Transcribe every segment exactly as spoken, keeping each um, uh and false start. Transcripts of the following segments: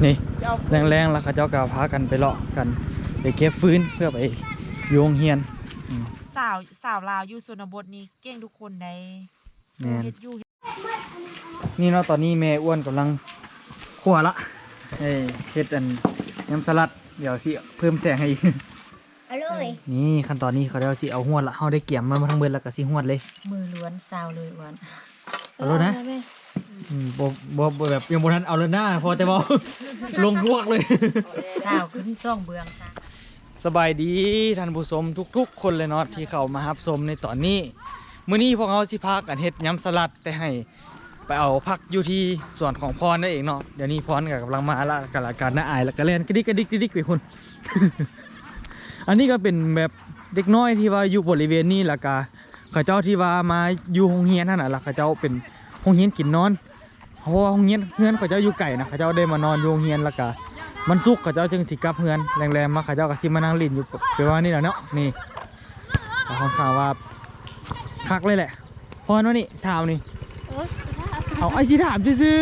นี่แรงๆแล้วเขาเจ้าก็พากันไปเลาะกันไปเก็บฟื้นเพื่อไปโยงเฮียนสาวสาวลาวอยู่ชนบทนี่เก่งทุกคนในเฮ็ดอยู่นี่เนาะตอนนี้แม่อ้วนกำลังคั่วละเฮ้ยเฮ็ดอันยำสลัดเดี๋ยวสิเพิ่มแสงให้อีกเอาเลยนี่ขั้นตอนนี้เขาเดี๋ยวสิเอาหวดละเฮาได้เกี่ยมมาทั้งเบิดแล้วก็สิหวดเลยมือล้วนสาวเลยอ้วนเอาเลยนะอืมบ่บ่บ่แบบยังบ่ทันเอาเลยนะพอแต่บ่ ลงพวกเลยสาวขึ้นซ่องเบืองค่ะสบายดีท่านผู้ชมทุกๆคนเลยเนาะที่เข้ามารับชมในตอนนี้มื้อนี้พวกเราสิพากันเฮ็ดยำสลัดแต่ให้ไปเอาพักอยู่ที่ส่วนของพรนั่นเองเนาะเดี๋ยวนี้พรก็กำลังมาละกำลังการน้าอายแล้วก็เล่นกระดิกกระดิกกระดิกไปคุณ อันนี้ก็เป็นแบบเด็กน้อยที่ว่าอยู่บริเวณนี้แล้วก็เขาเจ้าที่ว่ามาอยู่โรงเรียนนั่นน่ะล่ะเขาเจ้าเป็นโรงเรียนกินนอนเพราะว่าโรงเรียนเฮือนเขาเจ้าอยู่ไกลนะเขาเจ้าได้มานอนอยู่โรงเรียนแล้วก็มันสุกเขาเจ้าจึงสิกลับเฮือนแรงๆมาเขาเจ้าก็สิมานั่งเล่นอยู่เดี๋ยวว่านี่แหละเนาะนี่ค่อนข้างว่าคักเลยแหละพอเนาะนี่ถามนี่เอาไอ้สิถามซื่อ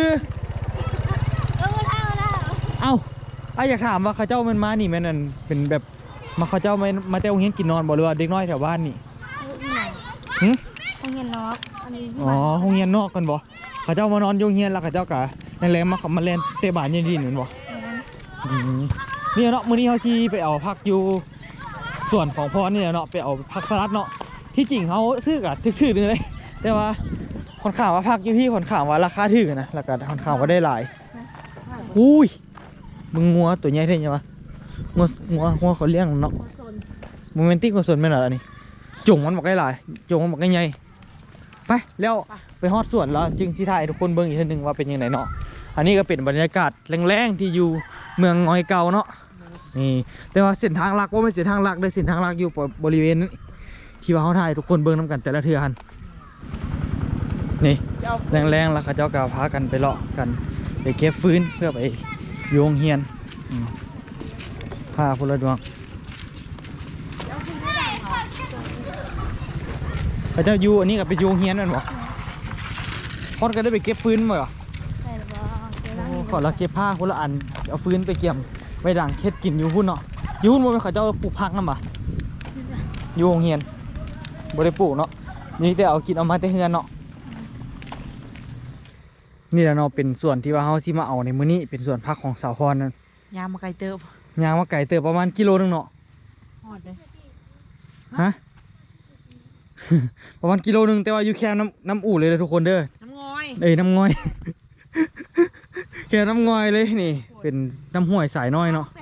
ๆเอาไอ้อยากถามว่าเขาเจ้ามันมานี่แม่นเป็นแบบมาเขาเจ้ามามาแต่โรงเรียนกินนอนบ่หรือว่าเด็กน้อยแถวบ้านนี่หึโรงเรียนนอกอันนี้อ๋อโรงเรียนนอกกันบ่เขาเจ้ามานอนโรงเรียนแล้วเขาเจ้ากะแรงๆมาขับมาเล่นเตะบาสเย็นดีเหมือนบ่นี่เนาะมื้อนี้เขาชี้ไปเอาผักอยู่ส่วนของพรนี่เนาะไปเอาผักสลัดเนาะที่จริงเขาซื้อกะถือๆเลยแต่ว่าค่อนข้างว่าผักอยู่พี่ค่อนข้างว่าราคาถูกนะแล้วก็ค่อนข้างว่าได้หลายอุ้ยมึงงัวตัวใหญ่เท่ยังวะงัวงัวงัวเขาเลี้ยงเนาะโมเมนต์ที่คนส่วนไม่หรออันนี้จุ่งมันบอกได้หลายจุ่งมันบอกได้ใหญ่ไปแล้วไปฮอดสวนแล้วจึงสิถ่ายทุกคนเบิ่งอีกทีนึงว่าเป็นยังไงเนาะอันนี้ก็เป็นบรรยากาศแรงๆที่อยู่เมืองงอยเก่าเนาะนี่แต่ว่าเส้นทางลักว่าไม่เส้นทางลักได้เส้นทางลักอยู่บริเวณนี้ที่ว่าเขาถ่ายทุกคนเบิ่งน้ำกันแต่ละเทือหันนี่แรงๆแล้วเขาเจ้าก็พากันไปเลาะกันไปเก็บฟื้นเพื่อไปโยงเฮียนพาพลดวงเขาเจ้าอยู่อันนี้กับไปโยงเฮียนนั่นหรอพอดก็ได้ไปเก็บฟื้นมาเหรอขอเราเก็บผ้าคนละอันเอาฟื้นไปเกี่ยมไปด่างเค็ดกินอยู่หุ่นเนาะอยู่หุ่นมันเขาเจ้าปลูกผักนั่นปะโยงเฮียนบริปลูกเนาะนี่แต่เอากินเอามาแต่เฮือนเนาะนี่แหละเนาะเป็นส่วนที่ว่าเขาซิมาเอาในมื้อนี้เป็นส่วนพักของสาวพรนั่นยางมาไกลเติบยางมาไก่เติบประมาณกิโลนึงเนาะฮอดเลยฮะ ประมาณกิโลนึงแต่ว่าอยู่แค่น้ำน้ำอู่เลยเลยทุกคนเด้อน้ำงอยเอ้ยน้ำงอย แค่น้ำงอยเลยนี่เป็นน้ำห้วยสายน้อยเนาะ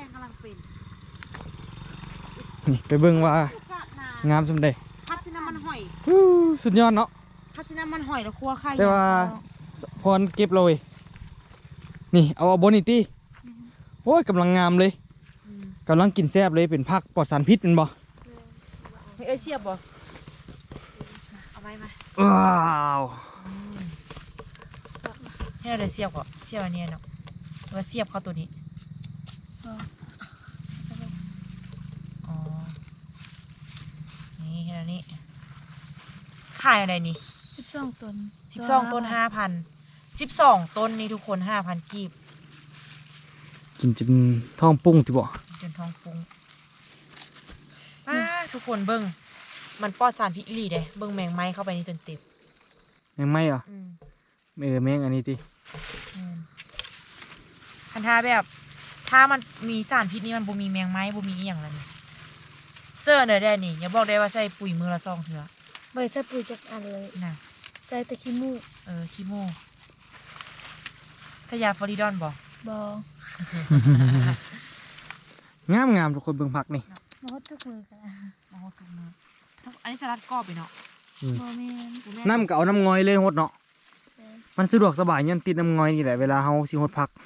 นี่ไปเบิ่งว่างามสมเด็จพัดซิน้ำมันหอยสุดยอดเนาะพัดซิน้ำมันหอยแล้วครัวไข่แต่ว่าพรเก็บเลยนี่เอาเอาบนอีกทีโอ้ยกำลังงามเลยกำลังกินแซ่บเลยเป็นผักปลอดสารพิษเป็นบ่เอ้ยเสียบบ่เอาไว้มาว้าวให้เราเสียบก่อนเสียบอันนี้เนาะเราเสียบเข้าตัวนี้อ๋อนี่แค่นี้ขายอะไรนี่สิบสองต้นสิบสองต้นห้าพันสิบสองต้นนี่ทุกคนห้าพันกีบกินจนท้องปุ้งที่บ่จนท้องปุ้งป้าทุกคนเบิ้งมันปลอดสารพิษอีหลีเด้เบิ้งแมงไม้เข้าไปนี่จนเต็มแมงไม้เหรอเออแมงอันนี้ทีคันท่าแบบถ้ามันมีสารพิษนี่มันบ่มีแมงไม้บ่มีอีหยังแล้วนี่เสื้อเนอได้นี่อย่าบอกได้ว่าใส่ปุ๋ยมือละซองเถอะไม่ใส่ปุ๋ยจากอันเลยนะใส่แต่ขี้มูกเออขี้มูกใส่ยาฟอริดอนบ่บ่งามงามทุกคนเบิ่งผักนี่มาฮดทุกมือกันมาฮดทุกมืออันนี้สลัดกรอบไปเนาะบ่แม่นน้ำก็เอาน้ำงอยเลยฮดเนาะมันสะดวกสบายยันติดน้ำงอยนี่แหละเวลาเฮาสิฮดผัก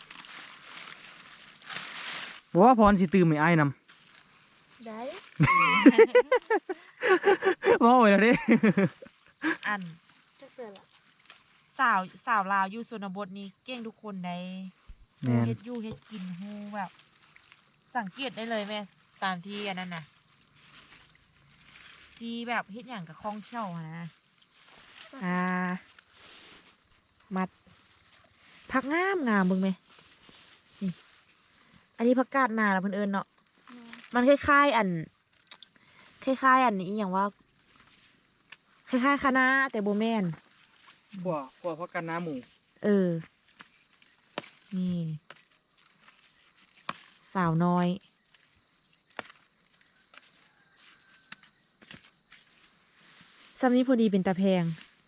บอกว่าพรสิตื่มไม่อ้ายนำได้บอกไว้แล้วดิอันสาวสาวลาวอยู่ชนบทนี่เก่งทุกคนในเฮ็ดอยู่เฮ็ดกินฮู้แบบสังเกตได้เลยแม่ตามที่อันนั้นน่ะที่แบบเฮ็ดอย่างกับคล่องเชี่ยวนะอ่ามัดผักงามงามมึงไหมนี่อันนี้ผักกาดนาล่ะเพิ่นเอิ้นเนาะแม่นมันคล้ายๆอันคล้ายๆอันนี้อหย่างว่าคล้ายๆคะน้าแต่โบแมนพวกพวกพักกันน้ำหมูเออ นี่ สาวน้อยซ้ำนี้พอดีเป็นตาแพง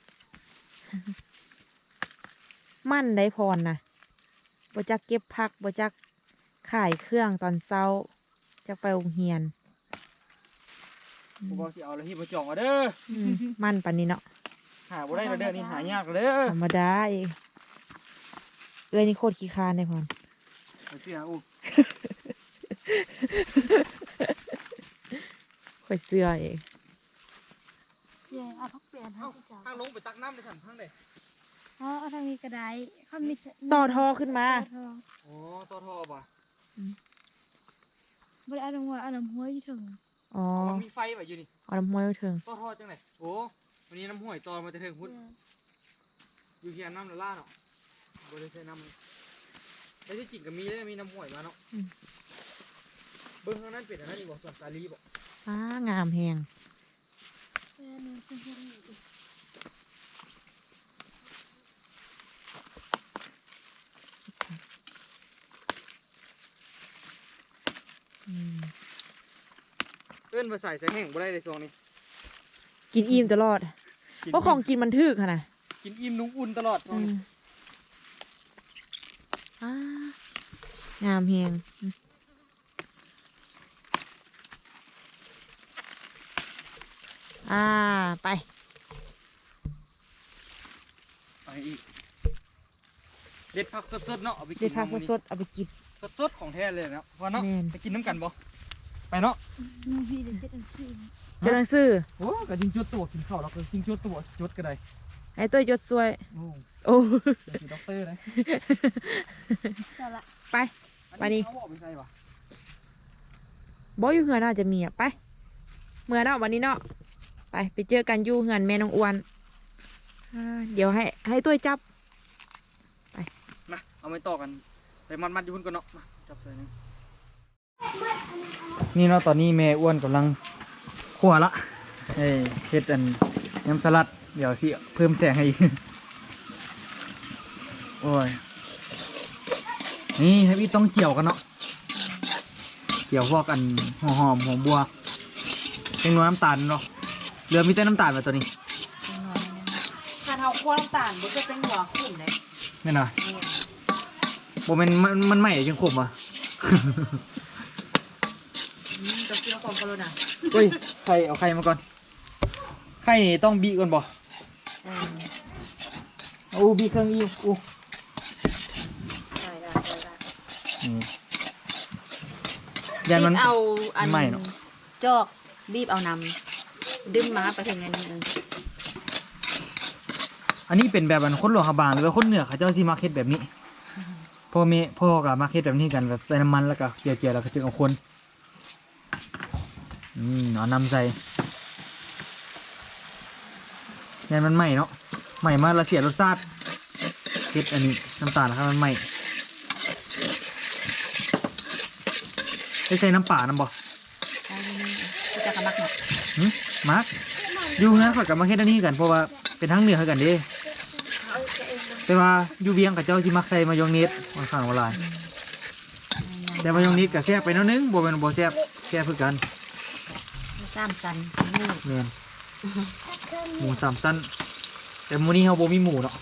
มั่นได้พรนะบ่จักเก็บพักบ่จักขายเครื่องตอนเช้าจักไปโรงเรียนกูบอกสิเอาแล้วที่มาจองเอาเด้ออืมมั่นปันนี้เนาะหาบ่ได้แล้วเด้อนี่หายากแล้วเด้อธรรมดาเองเอ้ยนี่โคตรขี้คร้านได้พรเอาเสียอู้ข่อยเสื้อเองเย่เอาพักเปลี่ยนให้เจ้าทางลงไปตักน้ำเลยท่านทางใดอ๋อเอาทางนี้ก็ได้เขามีต่อทอขึ้นมาต่อทออ๋อต่อท่อป่ะบ่ได้เอาลงว่าเอาน้ำห้วยอยู่ถึงอ๋อมันมีไฟแบบอยู่นี่เอาน้ำห้วยมาถึงต่อท่อจังไหนโอ้วันนี้น้ำห้วยต่อมาจะถึงพุทธอยู่เฮียน้ำละล่าเนาะบ่ได้ใช้น้ำเลยแล้วที่จริงก็มีได้มีน้ำห้วยมาเนาะเบิ้งเท่านั้นเป็นอันนั้นอีกบอกส่วนสาลีบอกอ้างามแหงแม่หนูซื้อให้หนูดิอืมเอิ้นมาใส่ใส่แห้งบ่ได้ในช่วงนี้กินอิ่มตลอดกินเพราะของกินมันถึกค่ะนะกินอิ่มนุ่งอุ่นตลอดช่วงอืนี้มอ้างามแหงอืมอ่า ไปไปอีกเด็ดผักสดๆเนาะเอาไปกิเด็ดนผักมื้อนี้สดๆเอาไปกินสดๆของแท้เลยเนาะพอเนาะแม่นไปกินน้ำกันบ่ไปเนาะหนูพี่เดี๋ยวเจ็ดอันสี่เจ้าหนังสือโอ้ก็จริงจดตัวกินข้าวเราก็จริงจดตัวจดก็ได้ไอ้ตัวจดสวยโอ้โอ้เดี๋ยวสิด็อกเตอร์เลยเจ้าละไป ไปนี่เขาบอกไปใส่ปะบออยู่เหือนน่าจะมีอ่ะ ไป เมื่อเนาะวันนี้เนาะ ไป ไปเจอกันอยู่เหือนแม่น้องอ้วนอ่าเดี๋ยวให้ ให้ตัวจับมาเอาไปต่อกันไปมัดมัดๆอยู่บนก่อนเนาะมาจับใส่นึงนี่เนาะตอนนี้แม่อ้วนกำลังคั่วละเฮ้ยเฮ็ดอันยำสลัดเดี๋ยวสิเพิ่มแสงให้อีก โอ้ยนี่ให้พี่ต้องเจียวกันเนาะเจียวพวกอันหัวหอมหอมบัวเป็นนัวน้ำตาลเนาะเหลือมีแต่น้ำตาลมาตัวนี้ถ้าเท้าคั่วน้ำตาลมันจะเป็นหัวขุ่นเลยแม่นอ่ะโบมันมันมันใหม่ยังขมอ่ะจะเคี่ยวความกระโดดอ่ะเฮ้ยไข่เอาไข่มาก่อนไข่นี่ต้องบีก่อนบ่โอ้บีเครื่องอีโอ้ได้ได้ได้นี่ยันมันบีบเอาอันไม่เนอะจอกบีบเอานำดึงมาไปถึงอันนี้เอออันนี้เป็นแบบอันคนหลวงขบางหรือว่าคนเหนือเขาเจ้าซีมาร์เก็ตแบบนี้พ่อแม่พ่อกับมาร์เก็ตแบบนี้กันแบบใส่น้ำมันแล้วก็เจียวๆแล้วก็จึงเอาคนอืมเอานำใส่ยันมันใหม่เนาะใหม่มากละเสียรสชาติเผ็ดอันนี้น้ำตาลนะครับมันใหม่ได้ใส่น้ำป่าน้ำบ่ใช่นี่ที่จะกระมักหมดหึมาร์กอยู่งั้นข่อยกับมาเฮ็ดอันนี้กันเพราะว่าเป็นทั้งเหนือคือกันเด้แต่ว่าอยู่เวียงกับเจ้าสิมักใส่มายองเนสค่อนข้างว่าหลายแต่มายองเนสก็แซ่บไปหนิดนึงบ่แม่นบ่แซ่บแซ่บคือกันสามสันสามลูกแม่นหมูสามสั้นแต่มื้อนี้เฮาบ่มีหมูเนาะ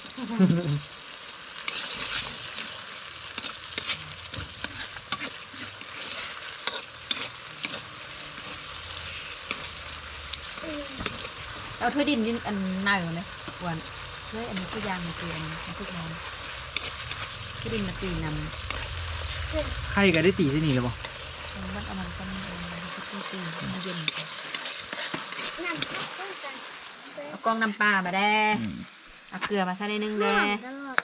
เอาถ้วยดินยืนอันหน้าอยู่ไหมอ้วนถ้วยอันนี้คือยางมันคืออันนี้มันคือน้ำถ้วยดินมาตีนำไข่ก็ได้ตีที่นี่แล้วบ่มันเอามันก็มันมันก็ตีตีมันเย็นเอากล้องน้ำปลามาแด้เอาเกลือมาใส่ในนึงแด้ตลอด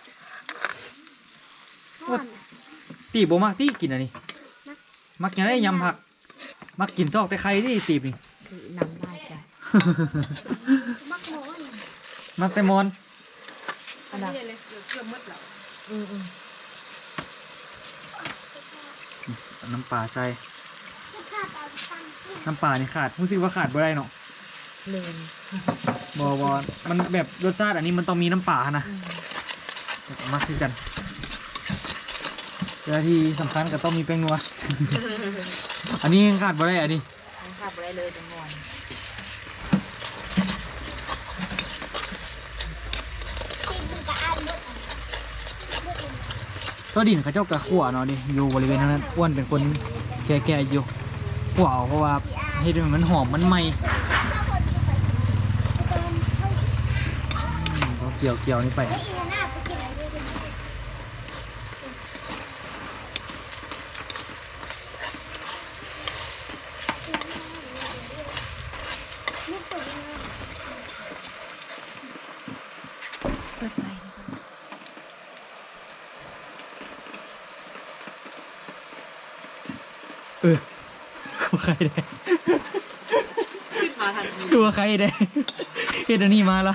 ตีบ่มักตีกินอันนี้มักกินได้ยำผัก มักกินซอกแต่ไข่ดิตีบนี่คือน้ำได้จ้ะมักหมอนมักแต่มอนอันนั้นอืมอืมเอาน้ำปลาใส่น้ำปลานี่ขาดรู้สึกว่าขาดบ่ได้เนาะเลนบอบอมันแบบรสชาติอันนี้มันต้องมีน้ำปลานะเอามาคือกันแล้วที่สำคัญก็ต้องมีแป้งนัว อันนี้ขาดบ่ได้อันนี้ไม่ขาดไปได้เลยจังหวะตัวดินเขาเจ้ากระขั่วเนาะดิอยู่บริเวณนั้นอ้วนเป็นคนแก่ๆอยู่ขั่วเอาเพราะว่าเฮ็ดให้มันหอมมันไหมอืมเขาเกี่ยวเกี่ยวนี่ไปเปิดไฟนะคะเออคือใครได้ขึ้นมาทันทีคือใครได้เฮ็ดอันนี้มาละ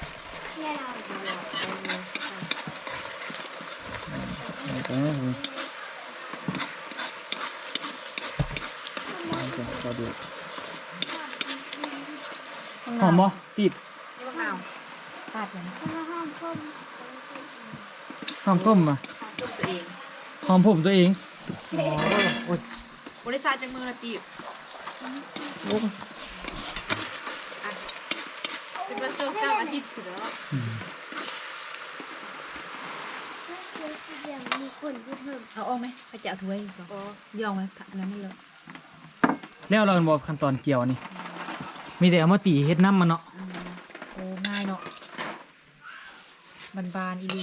หอมบ่ติดนี่มะนาวปาดเลยนะหอมก้มอ่ะต้มตัวเองหอมผมตัวเองโอ้ยบริษัทจังมือละจีบเป็นมาเซิร์ฟเจ้าอาทิตย์เสือ เอาออกไหมไปจะเอาถ้วยก็ยองไหมผักอันนั้นไม่เลยแล้วเราบอกขั้นตอนเจียวนี่มีแต่เอามาตีเฮ็ดน้ำมันเนาะโอ้ง่ายเนาะบานบานๆอีหลี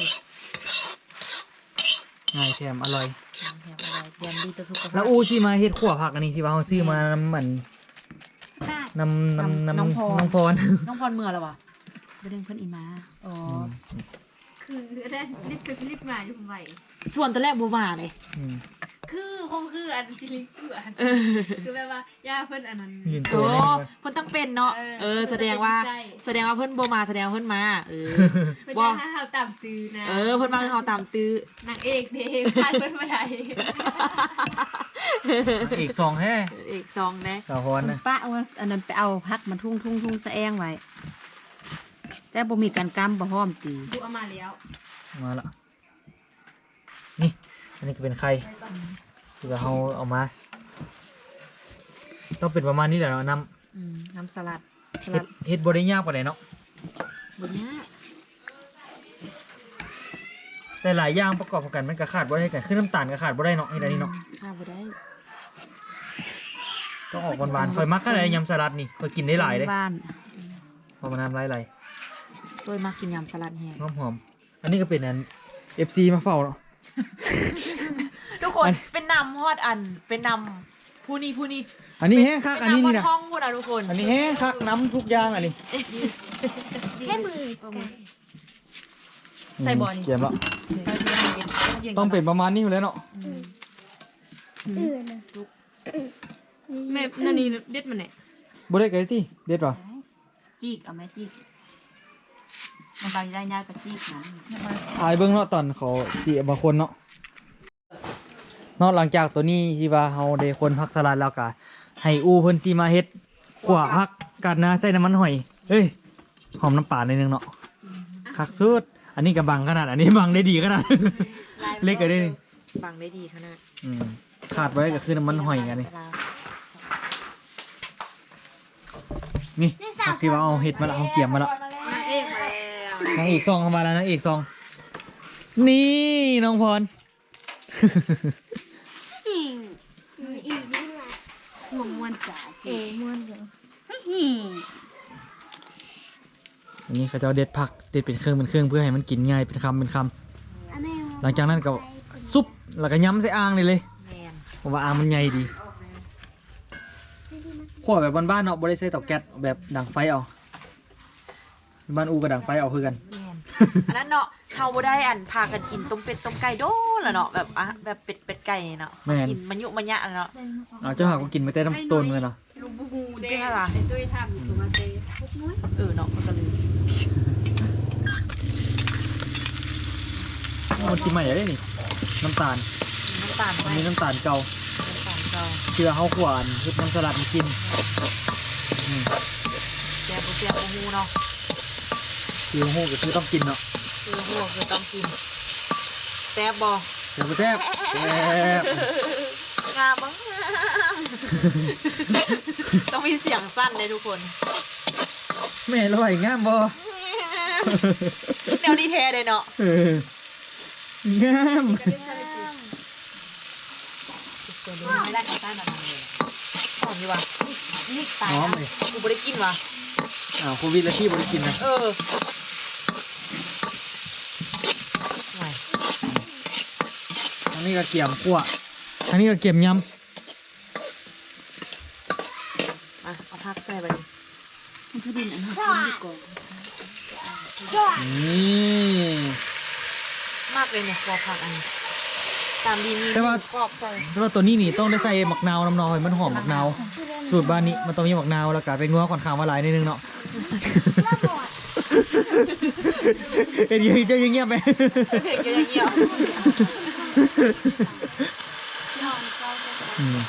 ง่ายแถมอร่อยแถมอะไรแถมดีต่อสุขภาพแล้วอูที่มาเฮ็ดขั่วผักอันนี้ที่ว่าเขาซื้อมานำมันนำนำนำน้องพรน้องพรน้องพรเมื่อแล้ววะไปเรื่องเพื่อนอีมาอ๋อคือได้รีบไปรีบมาอยู่ใหม่ส่วนตัวแรกบัวมาเลยอืมคือคงคืออันซิลิงคืออันคือแบบว่าย่าเพิ่นอันนั้นยืนตัโอ้วเลยเพิ่นต้องเป็นเนาะเออเออ แสดงว่าใช่แสดงว่าเพิ่นบัวมาแสดงว่าเพิ่นมา เออเพิ่นว่าจะให้เฮาตามตื้อนะเออ เพิ่นมาคือเฮาตามตื้อนางเอกเด้พาดเพิ่นมาได้อีกสองแท้เอกซองนะสาวพรนะป้าเอาอันนั้นไปเอาพักมาทุ่งทุ่งทุ่งสะแองไว้ แต่บ่มีการกั้มบ่พร้อมตีดูเอามาแล้วมาละนี่อันนี้ก็เป็นไข่ที่ว่าเขาเอามา ต้องเป็นประมาณนี้แหละเนาะน้อืมน้ำสลัดสำเฮ็ลัดดเฮ็ดบ่ได้ยากปานใดเนาะบนเนี้ยแต่หลายอย่างประกอบกันมันก็ขาดบ่ได้กันคือน้ำตาลก็ขาดบ่ได้เนาะเฮ็ดอันนี้เนาะข้าวบ่ได้ต้องออกหวานๆค่อยมักขนาดยำสลัดนี่ค่อยกินได้หลายเด้บ้านพอมาน้ำไหลตัวมากินยำสลัดแห้งๆหอมๆอันนี้ก็เป็นอัน เอฟ ซี มาเฝ้าเนาะทุกคนอันเป็นนำฮอดอัน เป็นนำผู้นี้ผู้นี้อันนี้แห้งคักเป็อันนี้นำฮอนี่ดนะท้องพูดนะทุกคนอันนี้แห้งคักน้ำทุกอย่างอันนี้ให้มือใส่บ่อนี่เกียมแล้วใส่เย็นเย็นเย็นต้องเป็นประมาณนี้อยู่แล้วเนาะอืมแม่นั่นนี่เด็ดมันเนี่ยบ่ได้ไกลที่เด็ดว่ะจีกเอาไหมจีกมันไปได้ยากกับจีกนั้นอายเบิ่งเนาะตอนเขาสิเอามาคนเนาะเนาะหลังจากตัวนี้ที่ว่าเฮาได้คนผักสลัดแล้วก็ให้อูเพิ่นสิมาเฮ็ดขวาผักกัดนะใส่น้ำมันหอยเฮ้ยหอมน้ำปลาหน่อยนึงเนาะคักสุดอันนี้ก็บังขนาดอันนี้บังได้ดีขนาด เล็กก็ได้นี่บังได้ดีขนาดอืมขาดไว้ก็คือน้ำมันหอยกันนี่นี่ผักที่ว่าเอาเห็ดมาละเอาเกี่ยมมาละนางเอกมาแล้วนางเอกซองเข้ามาแล้วนางเอกซอง นี่น้องพรอีกอีกนี่แหละหัวม้วนจ๋าเอ๋ม้วนเด้ออันนี้เขาจะเอาเด็ดผักเด็ดเป็นเครื่องเป็นเครื่องเพื่อให้มันกินง่ายเป็นคำเป็นคำหลังจากนั้นก็ซุปแล้วก็ย้ำใส่อ่างเลยเลยแมนผมว่าอ่างมันใหญ่ดีขวแบบบ้านๆเนาะบ่ได้ใส่เตาแก๊สแบบดังไฟเอาบ้านอูกับดังไฟเอาคือกันแมนอันนั้นเนาะเฮาบ่ได้อันพากันกินต้มเป็ดต้มไก่โดนละเนาะแบบอ่ะแบบเป็ดเป็ดไก่เนาะแม่นกินมันยุมันยะเนาะเอาเจ้าหาก็กินมาแต่น้ำต้นเลยเนาะลูกบูฮูเด้เป็นอะไรไอ้ตุ้ยทำตัวมาเตะพวกน้อยเออเนาะมันก็เลยมันชิมใหม่ได้นี่น้ำตาลน้ำตาลอัไปนนี้น้ำตาลเก่าเจ้าเชื่อเฮาขวานเฮ็ดน้ำสลัดมากินอืมแกงบ่เสียบบ่ฮู้เนาะคือฮู้ก็คือต้องกินเนาะคือฮู้คือต้องกินแซ่บบ่แซ่บบ่แซ่บแซ่บงามบ้าง ต้องมีเสียงสั้นเลยทุกคนแม่ลอยงามบ่แนวดีเทเลยเนาะเอองามตัวนี้ไม่ได้ข้าวใต้มาทำเลยหอมดีว่ะนี่ตายหอมนะเลยกูไม่ได้กินว่ะอ้าวโควิดแล้วพี่บ่ได้กินนะเออไหวอันนี้ก็เกี่ยมคั่วอันนี้ก็เกี่ยมยำมาเอาพักใส่ไปดิมันจะดินอันนั้นกินดีกว่านี่มากเลยเนี่ยกรอบผักอันนี้ตามดีนี่แต่ว่ากรอบใส่แต่ว่าตัวนี้นี่ต้องได้ใส่หมักนาวน้ำนอยมันหอมหมักนาวสูตรบ้านนี้มันต้องมีหมักนาวแล้วก็เป็นงัวค่อนข้างว่าหลายนิดนึงเนาะเอ็นยูเจ้ายังเงียบไหมเพลงเยอะอย่างเงี้ยอืม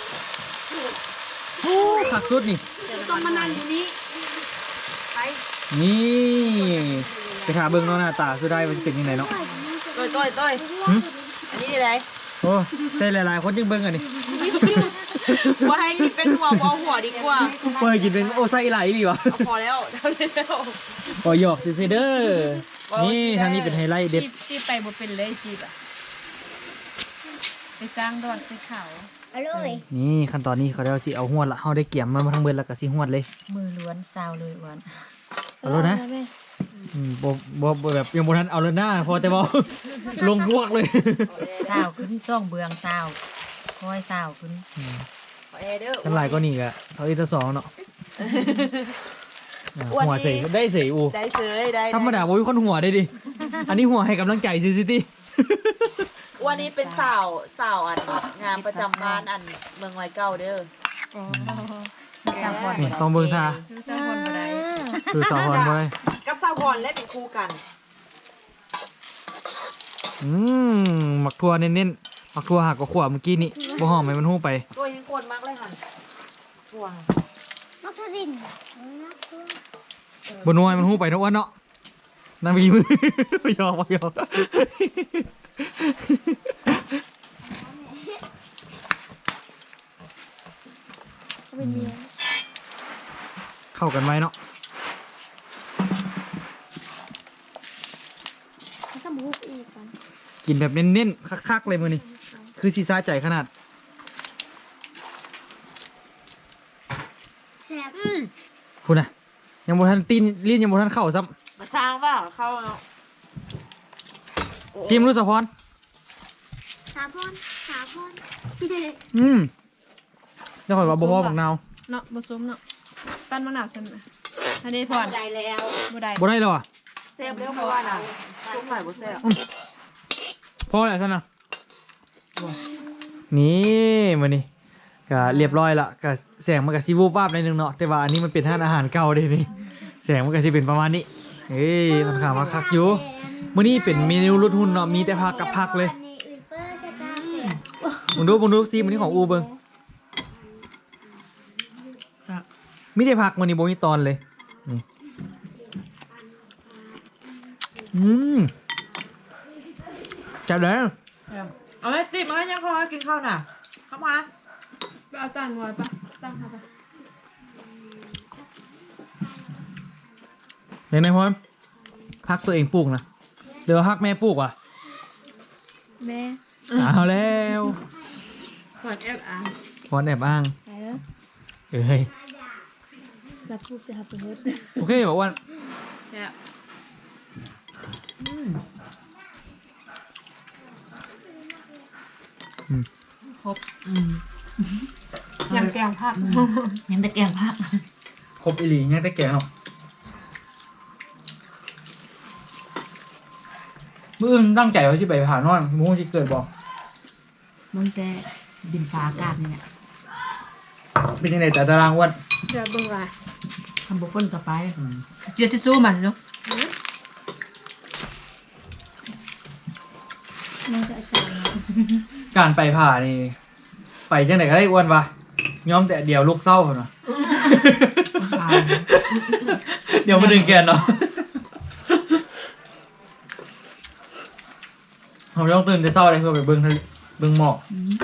โอ้ขักสุดนี่ต้องมานั่งอยู่นี้ไปนี่ไปหาเบิ้งเนาะหน้าตาสุดได้มันจะเป็นยังไงเนาะต้อยต้อยต้อยหึอันนี้ดีเลยโอ้ใช่หลายๆคนยังเบิ้งอันนี้ว่าให้กินเป็นหัวเอาหัวดีกว่าเปิดกินเป็นโอ้ไส้ไหลหรือวะเอาพอแล้วเท่านี้แล้วโอ้หยอกซิเด้อนี่ทางนี้เป็นไฮไลท์เด็ดจีบจีบไปบ่เป็นเลยจีบอ่ะไปสร้างดอดใส่เขาอร่อยนี่ขั้นตอนนี้เขาเรียกว่าสิเอาหวดละเขาได้เกี่ยมมาทั้งเบิดแล้วก็สิหวดเลยมือล้วนซาวเลยวันเอาแล้วนะอืมบ่บ่บ่แบบยังบ่ทันเอาแล้วหน้าพอแต่ว่า ลงพวกเลยซาวขึ้นซ่องเบืองซาวคอยซาวขึ้นขอแอร์เด้อทั้งหลายก็นี่ก็เสาอีกสองเนาะอ่าอ้วนหัวนี่ใส่ได้ใส่อูได้เสยได้ธรรมดาบ่มีคนหัวได้ดิ อันนี้หัวให้กำลังใจซิซิตี้วันนี้เป็นสาวสาวอันงานประจำบ้านอันเมืองไว้เก่าเด้อซื้อซาวพอนนี่ต้องเบิ่งท่าซื้อซาวพอนบ่ได้คือสาวพรบ่ได้กับสาวพรและเป็นคู่กันอืมหมักทั่วเน้นๆหมักทั่วหักก็ขวบเมื่อกี้นี่บ่หอมให้มันฮู้ไปตัวยังโคนมากเลยค่ะทั่วมัทรินบ่นัวให้มันฮู้ไปเนาะอ้วนเนาะนางบีมือ บ่ยอมบ่ยอมเป็นเมียเข้ากันไหมเนาะเขาสมุกอีกกันกินแบบเน้นๆคักๆเลยมื้อนี้คือสิซาใจขนาดแซ่บคุณน่ะยังบ่ทันตีนลิ้นยังบ่ทันเข้าซ้ำมาสร้างเปล่าเข้าเนาะชิมรู้สะพรสาพอนสาพอนอืมเดี๋ยวข่อยว่าบ่พอบักนาวเนาะบ่ซุ้มเนาะตั้นมะนาวซั่นน่ะอันนี้พอนได้แล้วบ่ได้บ่ได้แล้วอ่ะแซ่บเร็วเพราะว่าน่ะช่วงไหนบ่แซ่บพอแล้วซั่นน่ะนี่มื้อนี้ก็เรียบร้อยละก็แสงมันก็สิวูบวาบหน่อยนึงเนาะแต่ว่าอันนี้มันเป็นทานอาหารเก่าเด้นี่แสงมันก็สิเป็นประมาณนี้เอ้ยมันข้างมาคักอยู่มื้อนี้เป็นเมนูลดหุ่นเนาะมีแต่ผักกับผักเลยมึงดูมึงดูซิมื้อนี้ของอูเบิ่งมีแต่ผักมื้อนี้บ่มีตอนเลยนี่อืมจับแล้วเอาไว้ติดมาให้ยังพอกินข้าวน่ะเข้ามาไปเอาตั้งไว้ปะตั้งค่ะปะเห็นไหมพ่อฮักตัวเองปลูกนะเดี๋ยวฮักแม่ปลูกว่ะแม่เอาแล้วก่อนแอบอ่านพอนแอบอ้างไปแล้วเอ้ยรับพูดจะทำเป็นเฮ็ดโอเคบอกว่าแซ่บครบยังแกงผักยังแต่แกงผักครบอีหลียังแต่แก่เนาะมื่ออื่นตั้งใจว่าสิไปผ่านอนมุ่งสิเกิดบอกมึงแต่ดินฟ้าอากาศนี่แหละเป็นยังไงแต่ตารางอ้วันเดี๋ยวเบิ่งว่าทำบุฟเฟ่ต์ต่อไปเดี๋ยวจะสู้มันเนาะมึงจะอาจารย์การไปผ่านี่ไปไปจังไหนก็ได้อ้วนปะยอมแต่เดี๋ยวลูกเศร้าเนาะ เดี๋ยวมาดึงแกนเนาะเราต้องตื่นแต่เศร้าเลยเพื่อไปเบิ้งทะเลเบิ้งหมอก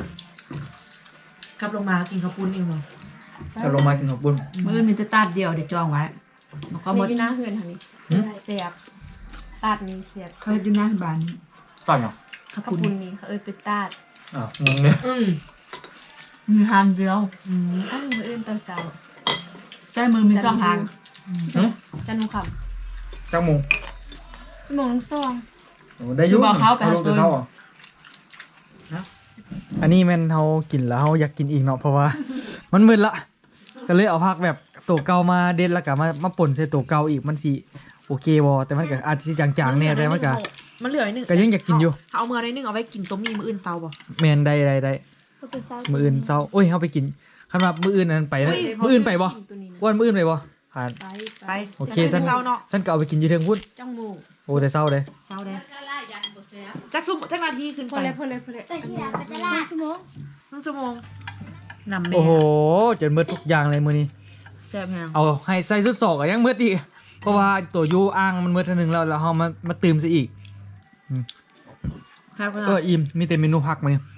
กลับลงมากินข้าวปุ้นเองเนาะกลับลงมากินข้าวปุ้นมื้อมีแต่ตาดเดียวเดี๋ยวจองไว้แล้วก็หมนี่ดอยู่หน้าเฮือนทางนี้หืมเสียบตัดนี้เสียบเคยอยู่หน้าบ้านนี่ต่อยเหรอข้าวขอบปุ้นคุณนี่เขาเอ้ยไปตัดอ่าวงงเนี่ยอืมมีทางเดียวอืมอ้าวมืออื่นตอนเช้าใจมือมีสองทางหืมจันทร์คเจ้าโมงำชั่วโมงลงซองโอ้ได้อยุ่งเอาลงแต่เศร้าเหรออันนี้แม่นเขากินแล้วเขาอยากกินอีกเนาะเพราะว่า มันมึนละก็เลยเอาพักแบบตัวเก่ามาเด็ดแล้วก็มามาป่นใส่ตัวเก่าอีกมันสิโอเควอแต่มันก็อาจจะจางๆแน่แต่มันก็มันเหลือไอ้หนึ่งก็ยังอยากกินอยู่เอาเมื่อไรหนึ่งเอาไว้กินต้มมีมืออื่นเซาบ่แมนได้ได้ได้เขาเป็นเจ้ามืออื่นเศร้าโอ้ยเขาไปกินคันว่ามืออื่นนั้นไปนะมืออื่นไปบ่ตัวนี้นะอ้วนมืออื่นไปบ่ผ่านไปไปโอเคฉัฉันนเซาเนาะฉันก็เอาไปกินอยู่เทิงพุ่นจ้องหมูโอ้แต่เศร้าเลยเซาเลยจักซุ่มจักนาทีขึ้นพไปอเลยพอเลยพอเลยอันนี้ชั่วโมงครึ่งชั่วโมงนำแม่โอ้โหจนมืดทุกอย่างเลยมือนี้แซ่บแฮงเอาให้ใส่สุดศอกอะยังมืดอีกเพราะว่าตัวยูอ่างมันมืดทีนึงแล้วแล้วเขามามาตื่มซะอีกครับเอออิ่มมีแต่เมนูผักมาเนี่ย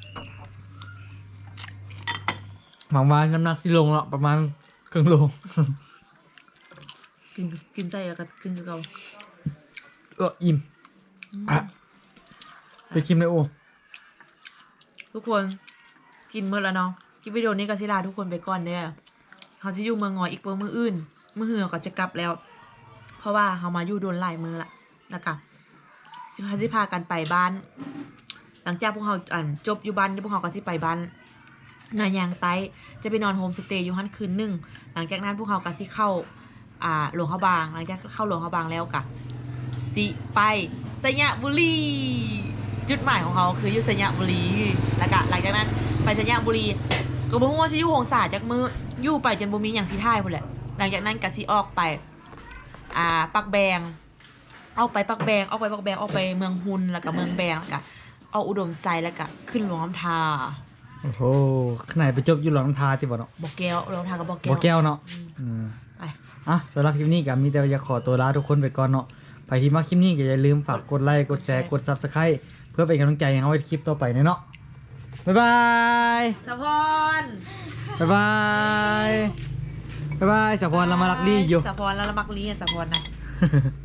หวังว่าน้ำหนักที่ลงแล้วประมาณครึ่งโลกินกินใจกับกินกับเราเอออิ่มอ่ะไปคิมเลยโอ้ทุกคนกินมื้อแล้วเนาะคลิปวิดีโอนี้ก็สิลาทุกคนไปก่อนเด้อเฮาสิอยู่เมืองงอยอีกเบิ่มื้ออื่นมื้อหือก็จะกลับแล้ว เพราะว่าเฮามาอยู่โดนหลายมื้อละนะคะสิพาสิพากันไปบ้าน หลังจากพวกเราอ่านจบอยู่บ้านพวกเราก็สิไปบ้านนายางไต้จะไปนอนโฮมสเตย์อยู่ฮั่นคืนหนึงหลังจากนั้นพวกเราก็สิเข้าอ่าหลวงพระบางหลังจากเข้าหลวงพระบางแล้วก็สิไปสยบุรีจุดหมายของเขาคืออยู่สยบุรีแล้วก็หลังจากนั้นไปสยบุรีก็บ่ฮู้ว่าสิอยู่หงสาจักมื้ออยู่ไปจนบ่มีหยังสิท่ายพุ่นแหละหลังจากนั้นก็สิออกไปอ่าปักแบงออกไปปักแบงออกไปปักแบงออกไปเมืองฮุนแล้วก็เมืองแบงแล้วก็เอาอุดมไซด์แล้วก็ขึ้นหลวงน้ำทาโอ้โหขนาดไปจบอยู่หลังทาที่บ่เนาะบอกแก้วหลวงน้ำทากับบอกแก้บ่วแก้วเนาะอืมอืมไปอ่ะสำหรับคลิปนี้ก็มีแต่อยากขอตัวลาทุกคนไปก่อนเนาะไปที่มาคลิปนี้ก็อย่าลืมฝากกดไลค์กดแชร์กด ซับสไครบ์ เพื่อเป็นกำลังใจให้เราในคลิปต่อไปเนาะบ๊ายบายสะพรบ๊ายบายบ๊ายบายสะพรเรามารักลี่อยู่สะพรแล้วละมักลีอ่ะสะพรนะบ